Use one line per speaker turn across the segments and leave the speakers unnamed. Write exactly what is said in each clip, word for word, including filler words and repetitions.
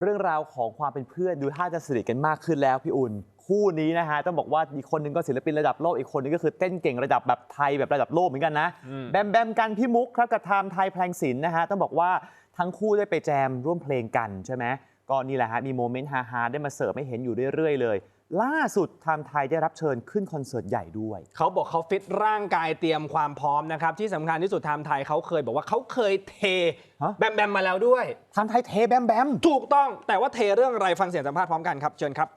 เรื่องราวของความเป็นเพื่อนดูท่าจะสนิทกันมากขึ้นแล้วพี่อุ่นคู่นี้นะฮะต้องบอกว่าอีกคนนึงก็ศิลปินระดับโลกอีกคนนึงก็คือเต้นเก่งระดับแบบไทยแบบระดับโลกเหมือนกันนะแบมแบมกันพี่มุกครับกับไทม์ไทยแพลงศิลป์นะฮะต้องบอกว่าทั้งคู่ได้ไปแจมร่วมเพลงกันใช่ไหมก็นี่แหละฮะมีโมเมนต์ฮาๆได้มาเสิร์ฟให้เห็นอยู่เรื่อยๆเลยล่าสุดไทม์ไทยได้รับเชิญขึ้นคอนเสิร์ตใหญ่ด้วย
เขาบอกเขาฟิตร่างกายเตรียมความพร้อมนะครับที่สำคัญที่สุดไทม์ไทยเขาเคยบอกว่าเขาเคยเทแบมแบมมาแล้วด้วย
ไทม์ไทยเทแบมแบม
ถูกต้องแต่ว่าเทเรื่องอะไรฟังเสียงสัมภาษณ์พร้อมกันครับเชิญครับ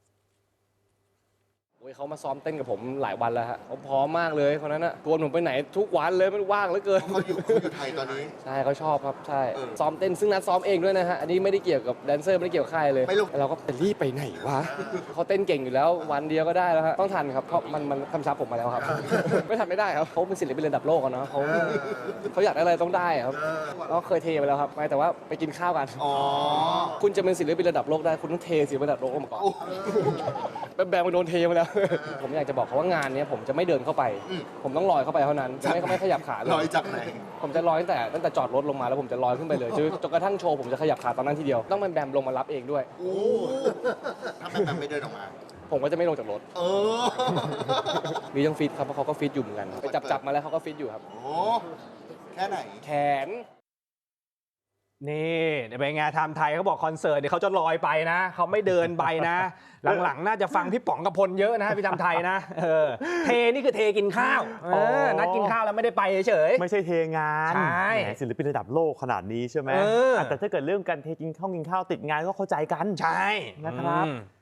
เขามาซ้อมเต้นกับผมหลายวันแล้วฮะเขาพร้อมมากเลยคนนั้นอะกวนผมไปไหนทุกวันเลยมันว่างเหลือเกิน
เขาอยู่เขาอยู่ไทยตอนนี้
ใช่เขาชอบครับใช่ซ้อมเต้นซึ่งนัดซ้อมเองด้วยนะฮะอันนี้ไม่ได้เกี่ยวกับแดนเซอร์ไม่ได้เกี่ยวกับค่ายเลยเราก็รีบไปไหนวะเขาเต้นเก่งอยู่แล้ววันเดียวก็ได้แล้วฮะต้องทันครับเพราะมันมันคำชับผมมาแล้วครับไม่ทันไม่ได้ครับเขาเป็นศิลปินระดับโลกอะเนาะเขาเขาอยากได้อะไรต้องได้ครับเราเคยเทไปแล้วครับไม่แต่ว่าไปกินข้าวกันคุณจะเป็นศิลปินระดับโลกได้คุณต้องเทศิลปินระดับโลกมาก่อนแบมแบมมาโดนเทมาแล้วผมอยากจะบอกเขาว่างานนี้ผมจะไม่เดินเข้าไปผมต้องลอยเข้าไปเท่านั้นจะไม่ไม่ขยับขาเลย
ลอยจากไหน
ผมจะลอยตั้งแต่ตั้งแต่จอดรถลงมาแล้วผมจะลอยขึ้นไปเลยจนกระทั่งโชว์ผมจะขยับขาตอนนั้นทีเดียวต้องแบมแบมลงมารับเองด้วย
โอ้ถ้าแบมแบมไม่เดินออกมา
ผมก็จะไม่ลงจากรถ
เออ
มีต้องฟิตครับเพราะเขาก็ฟิตอยู่เหมือนกันไปจับจับมาแล้วเขาก็ฟิตอยู่ครับ
โอ้แค่ไหน
แขน
นี่เป็นไงไทม์ไทยเขาบอกคอนเสิร์ตเดี๋ยวเขาจะลอยไปนะเขาไม่เดินไปนะ หลังๆน่าจะฟังพี่ป๋องกับพลเยอะนะพี่ไทม์ไทยนะเออเทนี่คือเทกินข้าวนัดกินข้าวแล้วไม่ได้ไปเฉย
ไม่ใช่เทงาน
ใช่
ศิลปินระดับโลกขนาดนี้ใช่ไหมแต่ถ้าเกิดเรื่องการเทกินข้าวกินข้าวติดงานก็เข้าใจกัน
ใช่
นะครับ